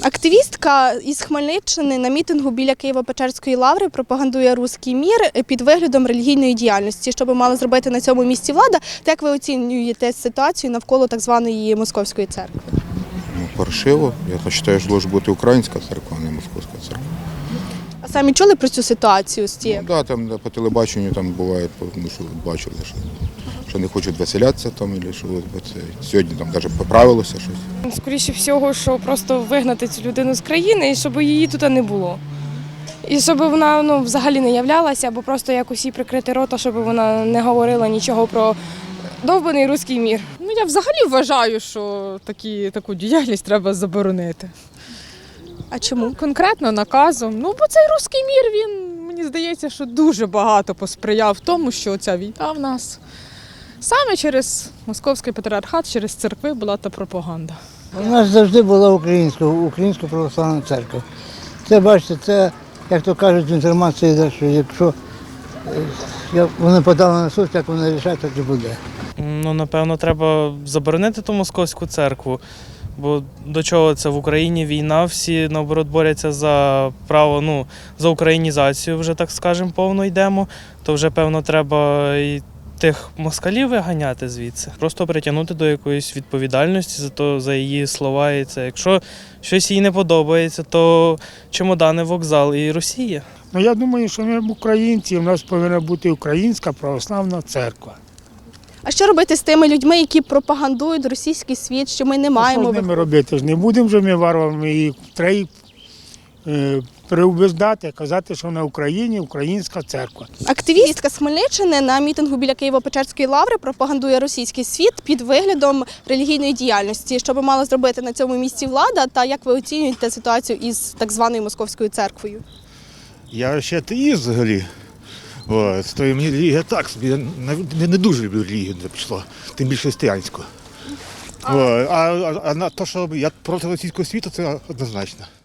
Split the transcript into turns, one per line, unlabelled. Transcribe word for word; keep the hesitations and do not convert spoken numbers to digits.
Активістка із Хмельниччини на мітингу біля Києво-Печерської лаври пропагандує руський мір під виглядом релігійної діяльності. Що би мала зробити на цьому місці влада? Та як ви оцінюєте ситуацію навколо так званої московської церкви?
Ну, паршиво. Я вважаю, що має бути українська церква, а не московська церква.
А самі чули про цю ситуацію з
Ну,
цією?
да, там по телебаченню там буває, ну, що бачили, що, що не хочуть веселятися там, або що от, це, сьогодні там навіть поправилося щось.
Скоріше всього, що просто вигнати цю людину з країни і щоб її тут не було. І щоб вона ну, взагалі не являлася, або просто якось їй прикрити рота, щоб вона не говорила нічого про довбаний руський мір.
Ну, я взагалі вважаю, що такі, таку діяльність треба заборонити.
А чому?
Конкретно наказом. Ну, бо цей руський мір, він, мені здається, що дуже багато посприяв тому, що ця війна в нас саме через Московський патріархат, через церкви була та пропаганда.
У нас завжди була українська, українська православна церква. Це, бачите, це, як то кажуть, в інформації йде, що якщо як вони подали на суд, як вони рішать, так і буде.
Ну, напевно, треба заборонити ту московську церкву, бо до чого це в Україні війна, всі, наоборот, борються за право, ну, за українізацію, вже, так скажемо, повно йдемо, то вже, певно, треба і тих москалів виганяти звідси. Просто притягнути до якоїсь відповідальності за то, за її слова і це. Якщо щось їй не подобається, то чемодани, вокзал і Росія.
Ну, я думаю, що ми українці, у нас повинна бути українська православна церква.
А що робити з тими людьми, які пропагандують російський світ, що ми не маємо...
Що з ними робити? Ж не будемо ж ми варварами, і треба е, переубеждати, казати, що на Україні українська церква.
Активістка з Хмельниччини на мітингу біля Києво-Печерської лаври пропагандує російський світ під виглядом релігійної діяльності. Що би мала зробити на цьому місці влада, та як ви оцінюєте ситуацію із так званою московською церквою?
Я ще атеїст взагалі. От, то мені релігія так собі, я не, не дуже люблю релігію, не пішло, тим більше християнську. А, а, а, а на те, що я проти російського світу, це однозначно.